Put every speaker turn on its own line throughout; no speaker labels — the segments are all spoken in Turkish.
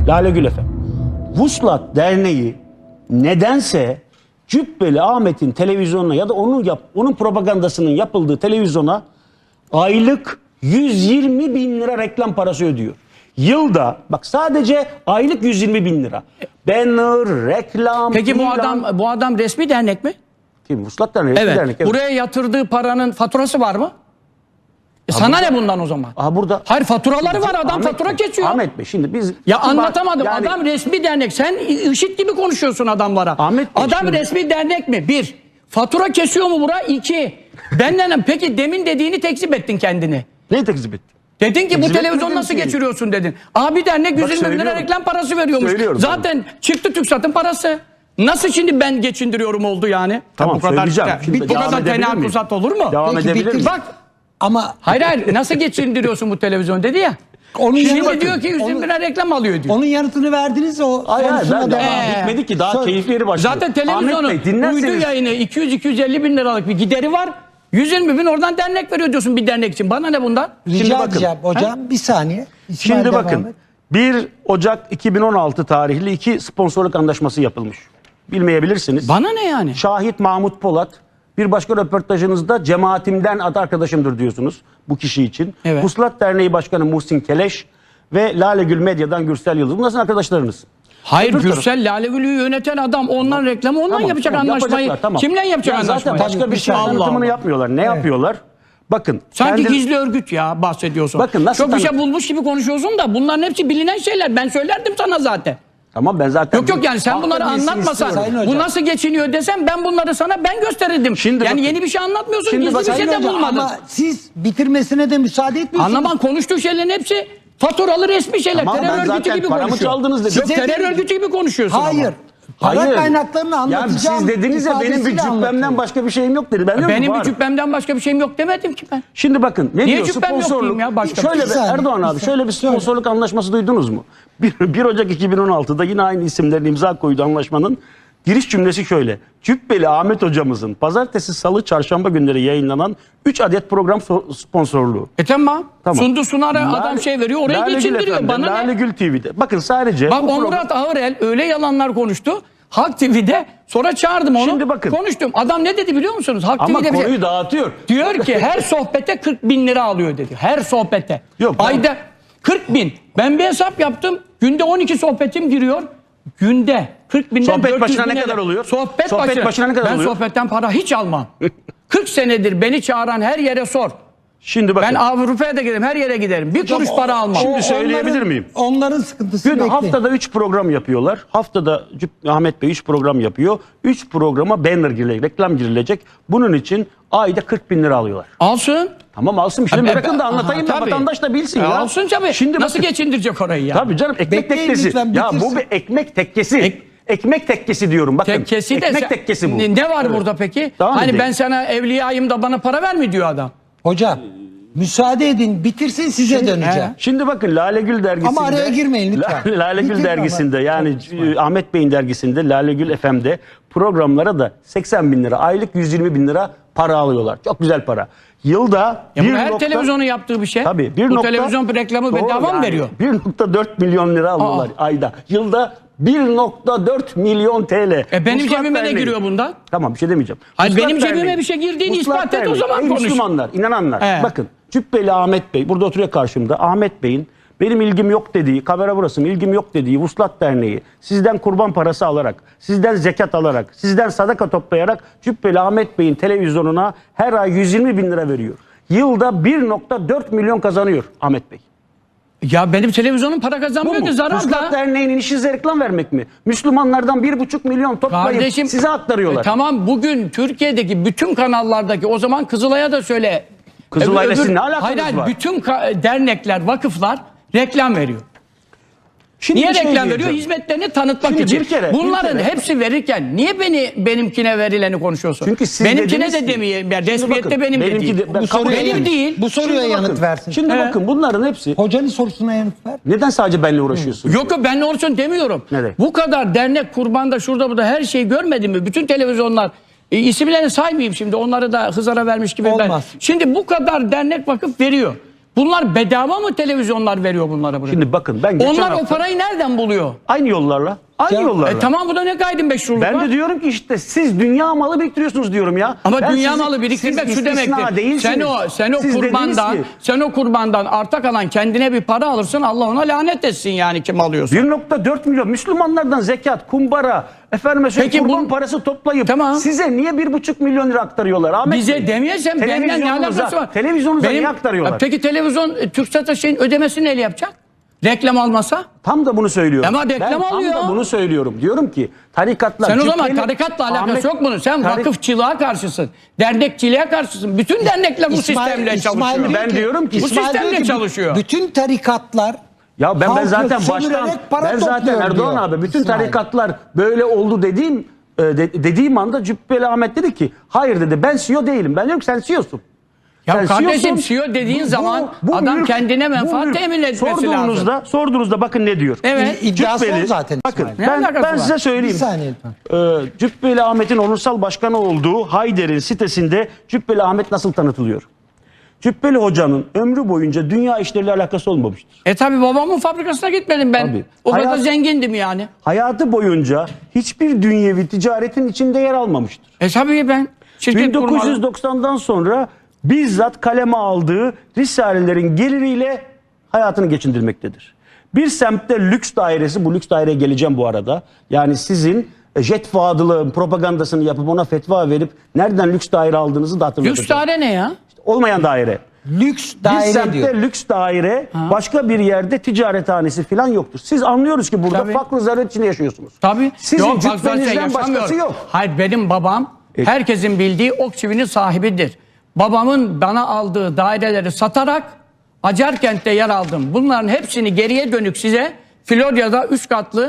Lale Gül efendim. Vuslat Derneği nedense Cübbeli Ahmet'in televizyonuna ya da onun propagandasının yapıldığı televizyona aylık 120 bin lira reklam parası ödüyor. Yılda bak sadece aylık 120 bin lira. Banner, reklam.
Peki
ilan.
bu adam resmi dernek mi?
Kim? Vuslat Derneği resmi
Evet.
dernek. Evet.
Buraya yatırdığı paranın faturası var mı? Sana ne bundan o zaman?
Aha burada.
Hayır, faturaları var, adam
Ahmet
fatura
Bey,
kesiyor.
Ahmet Bey şimdi biz...
Ya anlatamadım.
Yani,
adam resmi dernek. Sen IŞİD gibi konuşuyorsun adamlara.
Ahmet Bey,
adam
şimdi...
resmi dernek mi? Bir. Fatura kesiyor mu bura? İki. Benden peki demin dediğini tekzip ettin kendini.
Neyi tekzip ettin?
Dedin ki bu
Tekzip
televizyonu nasıl
etmedim ki.
geçiriyorsun dedin. Abi dernek 120 bin lira reklam parası veriyormuş.
Söylüyorum
Zaten çıktı TürkSat'ın parası. Nasıl şimdi ben geçindiriyorum oldu yani?
Tamam,
bu kadar,
söyleyeceğim. Şimdi
bu
devam
kadar
edebilir miyim?
tenakuzat olur mu?
Devam
Peki,
edebilir miyim?
Bak.
Ama
Hayır nasıl geçindiriyorsun bu televizyonu dedi ya.
onun
Şimdi
yanıtı-
diyor ki 120 lira reklam alıyor diyor.
onun yanıtını verdiniz o.
Hayır
konusuna
ben
devam.
bitmedi ki daha
Söyle.
keyifli yeri başlıyor.
Zaten televizyonun
Ahmet Bey, dinlerseniz-
uydu yayını 200-250 bin liralık bir gideri var. 120 bin oradan dernek veriyor diyorsun bir dernek için. Bana ne bundan?
Rica
Şimdi bakın.
edeceğim hocam bir saniye. İsmail
Şimdi
devam
bakın
et.
1 Ocak 2016 tarihli 2 sponsorluk anlaşması yapılmış. Bilmeyebilirsiniz.
Bana ne yani?
Şahit Mahmut Polat. Bir başka röportajınızda cemaatimden adı arkadaşımdır diyorsunuz bu kişi için.
Evet.
Vuslat Derneği Başkanı Muhsin Keleş ve Lale Gül Medya'dan Gürsel Yıldız. Bunlar sizin arkadaşlarınız.
Hayır,
Öbür
Gürsel Lale Gül'ü yöneten adam ondan reklamı ondan
Tamam,
yapacak
tamam,
anlaşmayı.
yapacaklar, tamam.
Kimle yapacak
Ya
anlaşmayı?
zaten başka bir şey
Allah
tanıtımını
Allah.
yapmıyorlar. Ne yapıyorlar? Bakın.
Sanki
kendi-
gizli örgüt ya bahsediyorsun.
Bakın nasıl
çok bir şey
tanı-
bulmuş gibi konuşuyorsun da bunların hepsi bilinen şeyler. Ben söylerdim sana zaten.
Tamam ben zaten...
Yok yani sen bunları
Halkın iyisini
anlatmasan
istiyorum.
Sayın
bu
hocam.
nasıl geçiniyor desem ben bunları sana ben gösterirdim.
Şimdi
yani
bakın.
yeni bir şey anlatmıyorsun,
Şimdi
gizli
bak-
bir şey
Sayın
de
hocam,
bulmadın.
ama siz bitirmesine de müsaade etmiyorsunuz.
Anlaman konuştuğu şeylerin hepsi faturalı resmi şeyler.
Tamam, ben
terör örgütü
zaten
gibi
paramı
konuşuyor.
çaldınız dedim.
Yok terör örgütü gibi konuşuyorsun
Hayır.
ama.
Para kaynaklarını anlatacağım.
Yani siz dediniz ya benim bir
ifadesiyle
cübbemden
anlatıyorum.
başka bir şeyim yok dedi. Ben diyorum
Benim
var.
bir cübbemden başka bir şeyim yok demedim ki ben.
Şimdi bakın ne
Niye
diyor
cübbem yok
sponsorluk.
diyeyim ya başka bir
Şöyle
şey?
bir
Bir saniye,
Erdoğan
bir
abi
saniye.
şöyle bir sponsorluk anlaşması duydunuz mu? 1 Ocak 2016'da yine aynı isimlerin imza koyduğu anlaşmanın giriş cümlesi şöyle. Cübbeli Ahmet hocamızın pazartesi, salı, çarşamba günleri yayınlanan 3 adet program sponsorluğu.
Tamam.
Tamam.
Sundu Sunar'a adam şey veriyor orayı
Lale Gül
geçindiriyor.
efendi,
Bana
Lale
ne?
Gül TV'de. Bakın sadece
Bak
bu program-
Murat Ağırel öyle yalanlar konuştu. Halk TV'de sonra çağırdım onu.
Şimdi bakın.
Konuştum. Adam ne dedi biliyor musunuz? Halk
ama
TV'de bir
konuyu
şey.
dağıtıyor.
Diyor ki her sohbete 40 bin lira alıyor dedi. Her sohbete.
Yok, ben-
Ayda 40 bin. Ben bir hesap yaptım. Günde 12 sohbetim giriyor. Günde 40 binden
Sohbet
400
başına ne
bine
kadar
de-
oluyor?
Sohbet
Sohbet başına ne kadar
ben
oluyor?
sohbetten para hiç almam. 40 senedir beni çağıran her yere sor.
Şimdi bakın.
Ben Avrupa'ya da giderim, her yere giderim. Bir kuruş para almam.
Şimdi söyleyebilir miyim?
Onların sıkıntısı
Gün
bekleyin.
haftada 3 program yapıyorlar. Haftada Ahmet Bey 3 program yapıyor. 3 programa banner girilecek, reklam girilecek. Bunun için ayda 40 bin lira alıyorlar.
Alsın.
Tamam alsın. Şimdi bırakın da anlatayım da
Tabii.
vatandaş da bilsin ya.
Alsın tabii.
Şimdi
Nasıl
bakın,
geçindirecek orayı ya?
tabii canım ekmek
Bekleyin
tekkesi.
lütfen,
Ya bu
bitirsin.
bir ekmek tekkesi. Ekmek tekkesi diyorum bakın.
Tekkesi de
ekmek tekkesi bu.
Ne var
Evet.
burada peki?
Devam
Hani
edeyim.
ben sana evliyayım da bana para verme diyor adam.
Hocam müsaade edin bitirsin size döneceğim.
Şimdi bakın Lale Gül dergisinde.
Ama araya girmeyin lütfen.
Lale Gül
Bitirme
dergisinde
ama.
yani
Çok
Ahmet Bey'in dergisinde Lale Gül FM'de programlara da 80 bin lira aylık 120 bin lira para alıyorlar. Çok güzel para. Yılda
Ya bu
bir
her
nokta-
televizyonun yaptığı bir şey.
Tabii,
bu televizyon reklamı
Doğru
bedava mı
yani.
veriyor?
1.4 milyon lira alıyorlar ayda. Yılda 1.4 milyon TL.
Benim
Vuslat
cebime ne
Derneği.
giriyor bundan?
Tamam bir şey demeyeceğim.
Hayır,
Vuslat
benim cebime
Derneği.
bir şey girdiğini
Vuslat
ispat et, o
Derneği.
zaman
Ey
konuş.
Müslümanlar, inananlar.
He.
Bakın Cübbeli Ahmet Bey burada oturuyor karşımda. Ahmet Bey'in benim ilgim yok dediği, kamera burası mı, ilgim yok dediği Vuslat Derneği sizden kurban parası alarak, sizden zekat alarak, sizden sadaka toplayarak Cübbeli Ahmet Bey'in televizyonuna her ay 120 bin lira veriyor. Yılda 1.4 milyon kazanıyor Ahmet Bey.
Ya benim televizyonum para
Bu
kazanmıyor
mu?
ki zarar
Vuslat
da.
Derneği'nin işi size reklam vermek mi? Müslümanlardan 1.5 milyon toplayıp
Kardeşim
size aktarıyorlar.
Tamam bugün Türkiye'deki bütün kanallardaki o zaman Kızılay'a da söyle.
Kızılay'la sizin ne alakanız
hayır, hayır,
var?
bütün dernekler, vakıflar reklam veriyor.
Şimdi
Niye
bir şey
reklam veriyor?
diyeceğim.
Hizmetlerini tanıtmak
Şimdi
için.
bir kere-
Bunların
bir kere-
hepsi verirken niye benimkine verileni konuşuyorsun?
Çünkü siz
benimkine
dediniz
de
ki-
demeyeyim. Yani
Şimdi
resmiyette
bakın,
benim de
benimki
değil.
de- ben
Bu
kabul
soruya
benim
ederim.
değil.
Bu soruya
Şimdi
yanıt
bakın,
versin.
Şimdi
He.
bakın bunların hepsi
Hocanın sorusuna yanıt ver.
neden sadece benimle uğraşıyorsun?
Yok yok benle olsun demiyorum.
Neden?
Bu kadar dernek kurbanda şurada burada her şeyi görmedin mi? Bütün televizyonlar isimlerini saymayayım şimdi onları da hızara vermiş gibi.
Olmaz.
Şimdi bu kadar dernek vakıf veriyor. Bunlar bedava mı televizyonlar veriyor bunlara buraya?
Şimdi bakın ben geçen
Onlar o
hafta
parayı nereden buluyor?
aynı yollarla. Aynı yollarla.
Tamam, bu da ne gayrimeşruluk
Ben
var?
de diyorum ki işte siz dünya malı biriktiriyorsunuz diyorum ya.
Ama
Ben
dünya
sizi-
malı biriktirmek
siz
şu
istisna
demektir.
değilsiniz.
Sen o
Siz dediniz
kurbandan,
ki,
sen o kurbandan arta kalan kendine bir para alırsın, Allah ona lanet etsin yani kim alıyorsa.
1,4 milyon Müslümanlardan zekat, kumbara, efendime söyleyeyim
Peki
kurban
bu-
parası toplayıp
Tamam.
size niye 1,5 milyon lira aktarıyorlar Ahmet Bey?
Bize demeyesem benden ne alakası var?
Televizyonunuza niye aktarıyorlar?
Peki televizyon TürkSat'a şeyin ödemesini neyle yapacak? Reklam almasa?
Tam da bunu söylüyorum.
Ama reklam
ben
alıyor.
tam da bunu söylüyorum. Diyorum ki tarikatlar...
Sen o zaman
cübbeli-
tarikatla alakası
Ahmet-
yok bunun. Sen
Tarik-
vakıfçılığa karşısın. Dernekçiliğe karşısın. Bütün dernekler bu sistemle çalışıyor.
Ben diyorum ki-
Bu sistemle çalışıyor.
Bütün tarikatlar
Ya ben
halkı
zaten
sömürerek
baştan
para
ben zaten
topluyor
Erdoğan
diyor
abi bütün
İsmail.
tarikatlar böyle oldu dediğim anda Cübbeli Ahmet dedi ki hayır dedi ben CEO değilim. Ben diyorum ki sen CEO'sun.
Ya
Sen
kardeşim,
CEO'sun.
CEO dediğin zaman adam kendine menfaat temin etmesi lazım.
Sorduğunuzda bakın ne diyor.
Evet.
İddiası o zaten
Bakın
İsmail.
Ne alakası
ben
var?
size
Bir
söyleyeyim.
saniye lütfen.
Cübbeli Ahmet'in onursal başkanı olduğu Hayder'in sitesinde Cübbeli Ahmet nasıl tanıtılıyor? Cübbeli Hoca'nın ömrü boyunca dünya işleriyle alakası olmamıştır.
Tabi babamın fabrikasına gitmedim ben.
Tabii.
O kadar
Hayat-
zengindim yani.
Hayatı boyunca hiçbir dünyevi ticaretin içinde yer almamıştır.
Tabii ben şirket kurmadım.
1990'dan sonra bizzat kaleme aldığı risalelerin geliriyle hayatını geçindirmektedir. Bir semtte lüks dairesi, bu lüks daireye geleceğim bu arada. Yani sizin jet fadılığın propagandasını yapıp ona fetva verip nereden lüks daire aldığınızı da hatırlatacağım.
Lüks daire ne ya?
Olmayan daire.
Lüks
Bir
daire
semtte
diyor.
lüks daire, başka bir yerde ticarethanesi falan yoktur. Siz anlıyoruz ki burada
Tabii.
fakr zaruret içinde yaşıyorsunuz.
Tabii.
Sizin
Yok, bak zaten
cübbenizden başkası
yaşamıyorum.
yok.
Hayır, benim babam herkesin bildiği ok çivinin sahibidir. Babamın bana aldığı daireleri satarak Acarkent'te yer aldım. Bunların hepsini geriye dönük size Florya'da 3 katlı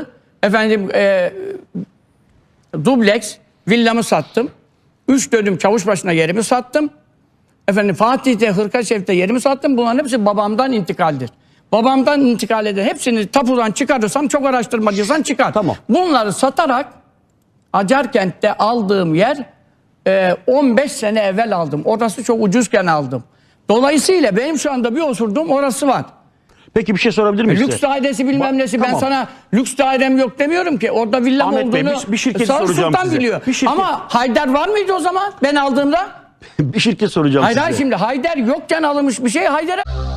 dubleks villamı sattım. 3 dönüm Çavuşbaşı'na yerimi sattım. Fatih'te, Hırkaşev'te yerimi sattım. Bunların hepsi babamdan intikaldir. Babamdan intikal eden hepsini tapudan çıkarırsam, çok araştırmacıysan çıkar.
Tamam.
Bunları satarak Acarkent'te aldığım yer 15 sene evvel aldım. Orası çok ucuzken aldım. Dolayısıyla benim şu anda bir osurduğum orası var.
Peki bir şey sorabilir miyim
Lüks
size?
dairesi bilmem nesi. Ben
Tamam.
sana lüks dairem yok demiyorum ki. Orada villam
Ahmet Bey,
olduğunu
bir şirketi
Sağ
soracağım
Sultan
size.
biliyor.
Bir şirket-
Ama Haydar var mıydı o zaman ben aldığımda?
Bir şirket soracağım
Hayır
size.
hayır, şimdi Haydar yokken alınmış bir şey Haydar'a...